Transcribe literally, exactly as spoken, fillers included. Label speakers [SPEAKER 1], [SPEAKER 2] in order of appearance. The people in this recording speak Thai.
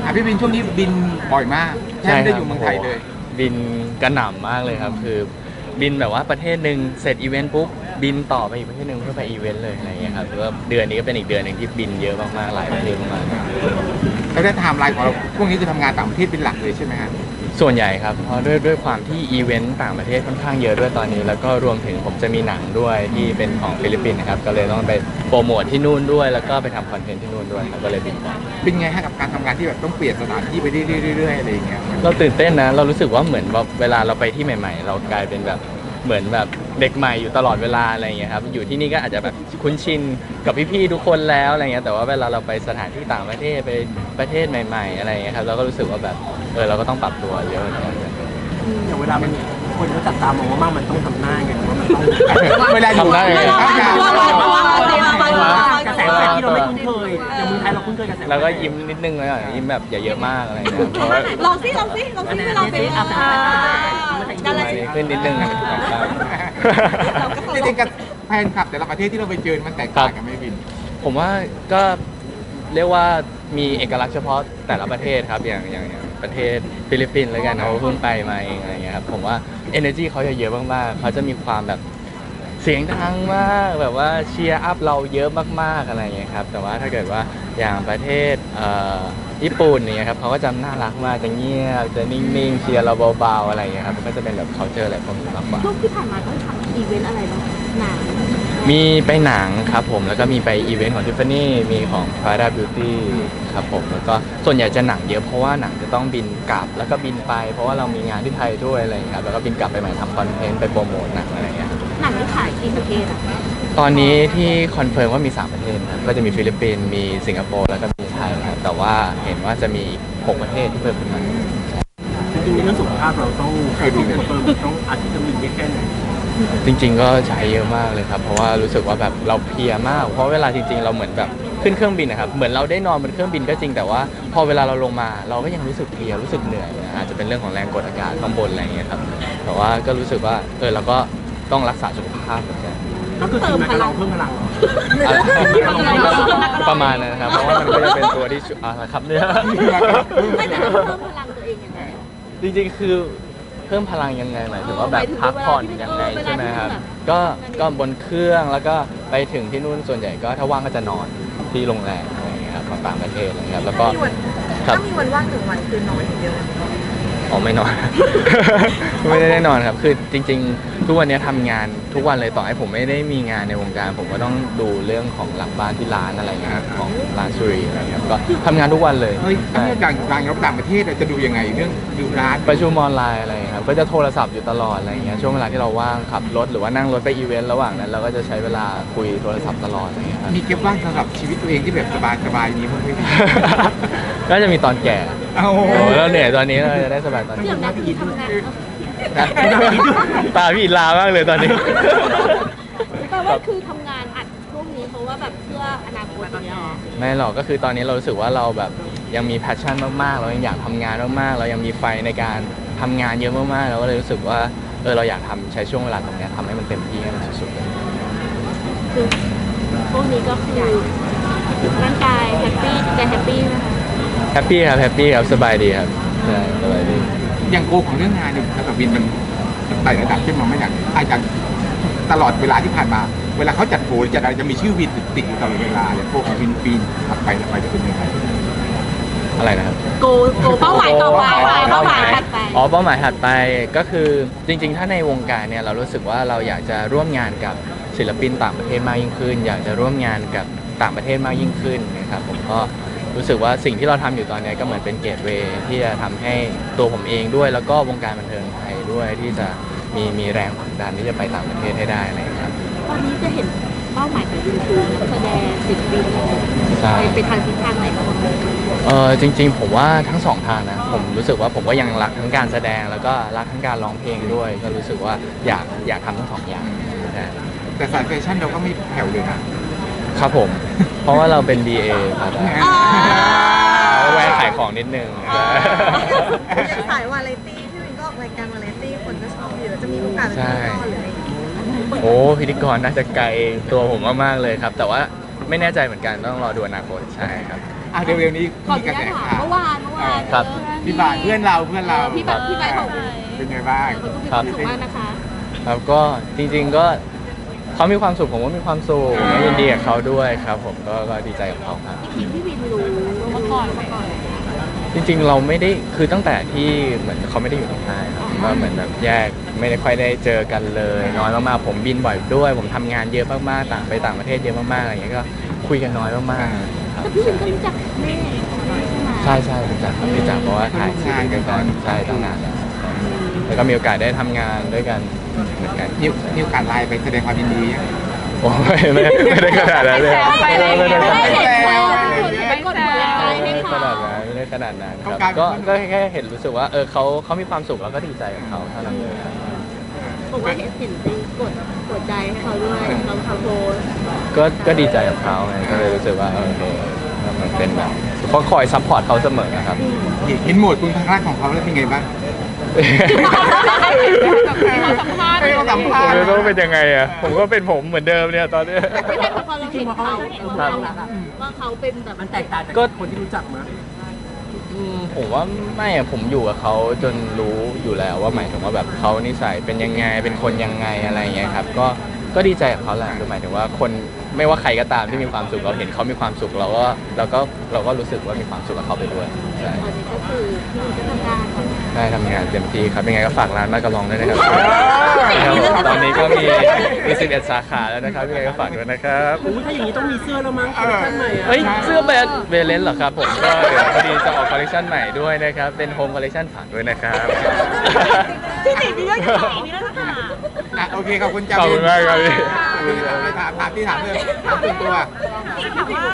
[SPEAKER 1] พี่บินช่วงนี้บินบ่อยมากแทบไม่ได้อยู่เมืองไทยเลย
[SPEAKER 2] บินกระหน่ำมากเลยครับคือบินแบบว่าประเทศหนึ่งเสร็จอีเวนต์ปุ๊บบินต่อไปอีกประเทศหนึ่งเพื่อไปอีเวนต์เลยอะไรเงี้ยครับหรือว่าเดือนนี้ก็เป็นอีกเดือนหนึ่งที่บินเยอะมากๆหลายประเทศมากๆ
[SPEAKER 1] แล้วได้ไทม์ไลน์ของเราพวกนี้คือทำงานต่างประเทศเป็นหลักเลยใช่ไหมครับ
[SPEAKER 2] ส่วนใหญ่ครับเพราะด้วยด้วยความที่อีเวนต์ต่างประเทศค่อนข้างเยอะด้วยตอนนี้แล้วก็รวมถึงผมจะมีหนังด้วยที่เป็นของฟิลิปปินส์นะครับก็เลยต้องไปโปรโมทที่นู่นด้วยแล้วก็ไปทำคอนเทนต์ที่นู่นด้วยครับก็เลยบินไป
[SPEAKER 1] เป็นไงฮะกับการทำงานที่แบบต้องเปลี่ยนสถานที่ไปเรื่อยๆอะไรอย่างเงี้ย
[SPEAKER 2] เราตื่นเต้นนะเรารู้สึกว่าเหมือนแบบเวลาเราไปที่ใหม่ๆเรากลายเป็นแบบเหมือนแบบเด็กใหม่อยู่ตลอดเวลาอะไรอย่างเงี้ยครับอยู่ที่นี่ก็อาจจะแบบคุ้นชินกับพี่ๆทุกคนแล้วอะไรเงี้ยแต่ว่าเวลาเราไปสถานที่ต่างประเทศไปประเทศใหม่ๆอะไรเงี้ยครับเราก็รู้สึกว่าแบบเออเราก็ต้องปรับตัวเยอะเหมือนกัน
[SPEAKER 3] อย่างเวลามันคนเขาจับตามองว่ามากมันต้องทำหน้าไงว่ามันต้อง
[SPEAKER 1] เวลาอยู่ได้เลย
[SPEAKER 3] กระแสแบบที่เราไม่คุ้นเคยอย่างเมืองไทยเราคุ้นเคยกระแส
[SPEAKER 2] แล้วก็ยิ้มนิดนึงเลยยิ้มแบบอย่าเยอะมากอะไรเงี้ย
[SPEAKER 4] ลองซิลองซิลองซิเราเป็น
[SPEAKER 2] อะไรขึ้นนิดนึง
[SPEAKER 1] จริงๆกับแฟนคลับแต่ละประเทศที่เราไปเจอมันแตกต่างกันไหมบิน
[SPEAKER 2] ผมว่าก็เรียกว่ามีเอกลักษณ์เฉพาะแต่ละประเทศครับอย่างอย่างอย่างประเทศฟิลิปปินส์แล้วกันเขาเพิ่งไปมาเองอะไรเงี้ยครับผมว่า energy เขาจะเยอะมากๆเขาจะมีความแบบเสียงดังมากแบบว่าเชียร์อัพเราเยอะมากๆอะไรเงี้ยครับแต่ว่าถ้าเกิดว่าอย่างประเทศญี่ปุ่นเนี่ยครับเขาก็จะน่ารักมากจะเงียบจะนิ่งๆเชียร์เราเบาๆอะไรเงี้ยครับก็จะเป็นแบบ culture อะไรพวกนี้มากกว่า
[SPEAKER 4] ช่วงที่ผ่านมาต้องทำอีเวนต์อะไรบ้างหนัง
[SPEAKER 2] มีไปหนังครับผมแล้วก็มีไปอีเวนต์ของ Tiffany มีของ Prada Beauty ครับผมแล้วก็ส่วนใหญ่จะหนังเยอะเพราะว่าหนังจะต้องบินกลับแล้วก็บินไปเพราะว่าเรามีงานที่ไทยด้วยอะไรอย่างเงี้ยแล้วก็บินกลับไปใหม่ทำคอนเทนต์ไปโปรโมทหนังอะไรอย่างเงี้ย
[SPEAKER 4] หนังที่ขายกี่ประเทศอะ
[SPEAKER 2] ตอนนี้ที่คอนเฟิร์มว่ามีสามประเทศครับก็จะมีฟิลิปปินส์มีสิงคโปร์แล้วก็มีไทยครับแต่ว่าเห็นว่าจะมีหกประเทศที่เพิ่มขึ้นมา
[SPEAKER 3] จริงๆในเรื่องสุขภาพเราต้องใครดูคอนเฟิร์มต้องอาทิตย์ละหนึ่งแค่ไหน
[SPEAKER 2] จริงๆก็ใช้เยอะมากเลยครับเพราะว่ารู้สึกว่าแบบเราเพลียมากเพราะเวลาจริงๆเราเหมือนแบบขึ้นเครื่องบินนะครับเหมือนเราได้นอนบนเครื่องบินก็จริงแต่ว่าพอเวลาเราลงมาเราก็ยังรู้สึกเพลียรู้สึกเหนื่อยอาจจะเป็นเรื่องของแรงกดอากาศข้างบนอะไรอย่างเงี้ยครับแต่ว่าก็รู้สึกว่าเออเราก็ต้องรักษาสุขภาพเหมือนกัน
[SPEAKER 3] ก็คือกินมาเราเพิ่มพลัง
[SPEAKER 2] ประมาณนั้นนะครับเพราะว่ามันก็จะเป็นตัวที่อะไรครับเนี่ย
[SPEAKER 4] ไม่แต่เพิ่มพลังตัวเองยังไง
[SPEAKER 2] จริงๆคือเพิ่มพลังยังไงหมายถึงว่าแบบพักผ่อนยังไงใช่ไหมครับก็ก็บนเครื่องแล้วก็ไปถึงที่นู่นส่วนใหญ่ก็ถ้าว่างก็จะนอนที่โรงแรมอะไรอย่างเงี้ยครับของต่างประเทศอะไรเงี้ยแล้วก็
[SPEAKER 4] ถ้ามีวันว่างหนึ่งวันคือนอนอย่างเดียว
[SPEAKER 2] อ๋อไม่นอนไม่ได้ได้นอนครับคือจริงๆทุกวันนี้ทำงานทุกวันเลยต่อให้ผมไม่ได้มีงานในวงการผมก็ต้องดูเรื่องของหลังบ้านที่ร้านอะไรเงี้ยของร้านซูรีอะไรเงี้ยก็ทำงานทุกวันเลย
[SPEAKER 1] เฮ้ยถ้าเรื่องการการรับต่างประเทศจะดูยังไงเรื่องดูร้าน
[SPEAKER 2] ประชุมออนไลน์อะไรครับก็จะโทรศัพท์อยู่ตลอดอะไรเงี้ยช่วงเวลาที่เราว่างขับรถหรือว่านั่งรถไปอีเวนต์ระหว่างนั้นเราก็จะใช้เวลาคุยโทรศัพท์ตลอดอะไรเงี้ย
[SPEAKER 1] มีเก็บว่างสำหรับชีวิตตัวเองที่แบบสบายๆนี้มั้งไหม
[SPEAKER 2] ก็จะมีตอนแก่โอ้โหแล้วเหนื่อยตอนนี้เราจะได้สบายตอนนี้
[SPEAKER 4] อย่างนั้นพี่ทำงาน
[SPEAKER 2] ตาพี่ลามากเลยตอนนี้
[SPEAKER 4] แปลว่าคือทำงานอัดพวกนี้เพราะว่าแบบเพื่ออนาคตเนี่ย
[SPEAKER 2] ไม่หรอกก็คือตอนนี้เรารู้สึกว่าเราแบบยังมีแพชชั่นมากๆเรายังอยากทำงานมากๆเรายังมีไฟในการทำงานเยอะมากๆเราก็เลยรู้สึกว่าเออเราอยากทำใช้ช่วงเวลาตรงนี้ทำให้มันเต็มที่ให้มันสุดๆเลย
[SPEAKER 4] คือพวกนี้ก็คือร่างกายแฮปปี้ใจแฮปปี้ไหมคะ
[SPEAKER 2] แฮปปี้ครับแฮปปี้ครับสบายดีครับใช่สบายดี
[SPEAKER 1] อย่างโกของเรื่องงานเนี่ยกับบินมันไต่ระดับขึ้นมาไม่อย่างอาจจะตลอดเวลาที่ผ่านมาเวลาเขาจัดโผล่จัดอะไรจะมีชื่อวินติดอยู่ตลอดเวลาอย่างโกของวินปีนถัดไปถัดไปจะเป็นยังไง
[SPEAKER 2] อะไรนะครับ
[SPEAKER 4] โกโกเป้าหมายต่อไปเป้าหมายถัดไป
[SPEAKER 2] อ๋อเป้าหมายถัดไปก็คือจริงๆถ้าในวงการเนี่ยเรารู้สึกว่าเราอยากจะร่วมงานกับศิลปินต่างประเทศมากยิ่งขึ้นอยากจะร่วมงานกับต่างประเทศมากยิ่งขึ้นนะครับผมก็รู้สึกว่าสิ่งที่เราทำอยู่ตอนนี้ก็เหมือนเป็นเกตเวย์ที่จะทำให้ตัวผมเองด้วยแล้วก็วงการบันเทิงไทยด้วยที่จะมีมีแรงผลักดันที่จะไปต่างประเทศให้ได้นะครับ
[SPEAKER 4] ตอนนี้จะเห็นเป้าหมายของคุณคือนักแสดงศิลปินไปไปทางทิศทางไหนบ้าง
[SPEAKER 2] เออจริงๆผมว่าทั้งสองทางนะผมรู้สึกว่าผมก็ยังรักทั้งการแสดงแล้วก็รักทั้งการร้องเพลงด้วยก็รู้สึกว่าอยากอยากทำทั้งสองอย่าง
[SPEAKER 1] แต่สายแฟชั่นเราก็ไม่แผ่วเลยนะครับ
[SPEAKER 2] ผมเพราะว่าเราเป็น ดี เอ ครับแวะขายของนิดนึง
[SPEAKER 4] สายวาไรตี้ที่วินก็ออกรายการวาไรตี้คนก็ชอบเยอะจะมีโอกาสเป็นพิธีกรหรืออะไร
[SPEAKER 2] โอ้พิธีกรน่าจะไกลตัวผมมากๆเลยครับแต่ว่าไม่แน่ใจเหมือนกันต้องรอดูอนาคตใช่ครับ
[SPEAKER 1] อ่ะเร็วๆนี้
[SPEAKER 4] มีกระแสข่าวเมื่อวานเมื่อวาน
[SPEAKER 2] ครับ
[SPEAKER 1] พี่บ่ายเพื่อนเราเพื่อนเรา
[SPEAKER 4] พี่แบบพี่ใบของ
[SPEAKER 1] เป็นไงบ้าง
[SPEAKER 4] เขาก็มีความสุขมากนะคะ
[SPEAKER 2] ครับก็จริงๆก็เขามีความสุขผมก็มีความสุขก็ยินดีกับเขาด้วยครับ ผมก็ก็ดีใจกับเขาครับ
[SPEAKER 4] จริงๆพี่วินรู้มาก่อนมาก่อน
[SPEAKER 2] จริงๆเราไม่ได้คือตั้งแต่ที่เหมือนเขาไม่ได้อยู่ในค่ายครับก็เหมือนแบบแยกไม่ได้ค่อยได้เจอกันเลยน้อยมากๆผมบินบ่อยด้วย ผมทำงานเยอะมากๆต่างไปต่างประเทศเยอะมากๆอะไรอย่างเงี้ยก็คุยกันน้อยมากๆครับ
[SPEAKER 4] แต่พี่วินก็รู้จักแม่ใช่ไหม
[SPEAKER 2] ใช่ใช่รู้จักครับรู้จักเพราะว่าถ่ายซีรีส์ด้วยกันใช่ตั้งนานแล้วแล้วก็มีโอกาสได้ทำงานด้วยกันเหมือนกัน
[SPEAKER 1] มีมีโอกาสไลน์ไปแสดงความยินดียัง
[SPEAKER 2] โอ้ยไม่ไม่ได้ขนาดนั้นเลย
[SPEAKER 4] ไปอะไรอย่าง
[SPEAKER 2] ไม่
[SPEAKER 4] เงี้
[SPEAKER 2] ได้
[SPEAKER 4] ย
[SPEAKER 2] ข
[SPEAKER 4] ไม่
[SPEAKER 2] นาด
[SPEAKER 4] ได้
[SPEAKER 2] นั้น
[SPEAKER 4] เห็นเลยไปกดไลค์ให้
[SPEAKER 2] ไม่ได้ข
[SPEAKER 4] เขา
[SPEAKER 2] นาดนั้นไม่ได้ขนาดนั้นครับ
[SPEAKER 1] เขากลายเป็น
[SPEAKER 2] ก็ก็แค่เห็นรู้สึกว่าเออเขาเขามีความสุขแล้วก็ดีใจกับเขาเท่านั้นเลยครับ
[SPEAKER 4] บอกว่าเห็นเห็นไปกดกดใจให้เขาด้วยเขาเขาโพส
[SPEAKER 2] ก็ก็ดีใจกับเขาไงก็เลยรู้สึกว่าเออโอเคมันเป็นแบบเขาคอยซัพพอร์ตเขาเสมอนะครับ
[SPEAKER 1] เห็นโหมดคุณพักรักของเขาแล้วเป็นไงบ้าง
[SPEAKER 4] เขาสัมภาษณ์
[SPEAKER 1] ให้เขาสัมภาษณ์
[SPEAKER 2] ไม่รู้เป็นยังไงอ่ะผมก็เป็นผมเหมือนเดิมเนี่ยตอนนี้
[SPEAKER 4] ไม่ใช่พอเราเห็นเขาว่าเขาเป็นแบบ
[SPEAKER 3] มันแตกต่างจาก
[SPEAKER 2] ก็
[SPEAKER 3] คนที่รู้จักมั้ย
[SPEAKER 2] อืมผมว่าไม่อะผมอยู่กับเขาจนรู้อยู่แล้วว่าหมายถึงว่าแบบเขานิสัยเป็นยังไงเป็นคนยังไงอะไรอย่างเงี้ยครับก็ก็ดีใจกับเขาแหละคือหมายถึงว่าคนไม่ว่าใครก็ตามที่มีความสุขเราเห็นเขามีความสุขเราก็เราก็เราก็รู้สึกว่ามีความสุขกับเขาไปด้วยใช่
[SPEAKER 4] ตอนนี้ก็คือพี่วินก็ทำงานทำงาน
[SPEAKER 2] ได้ทำงานเต็มที่ครับยังไงก็ฝากร้านมากระลองด้วยนะครับครับผมตอนนี้ก็มีมีสิบเอ็ดสาขาแล้วนะครับยังไงก็ฝากด้วยนะครับ
[SPEAKER 3] โอ้ยถ้าอย่างนี้ต้องมีเสื้อแล้วมั้งคอลเลคชั่นใหม่อะ
[SPEAKER 2] เฮ้ยเสื้อแบรนด์เวเลนเหรอครับผมก็เดี๋ยวพอดีจะออกคอลเลคชันใหม่ด้วยนะครับเป็นโฮมคอลเลคชันฝากด้วยนะครับ
[SPEAKER 4] พี่หนิงมีเรื่องจะถามมีเรื่องจะถาม
[SPEAKER 1] อ่ะโอเคขอบคุณจ้า
[SPEAKER 2] ขอบคุณมากครับพี่
[SPEAKER 1] ถามถามที่ถามเรื่องถามส่วนตัว
[SPEAKER 4] ถามว่า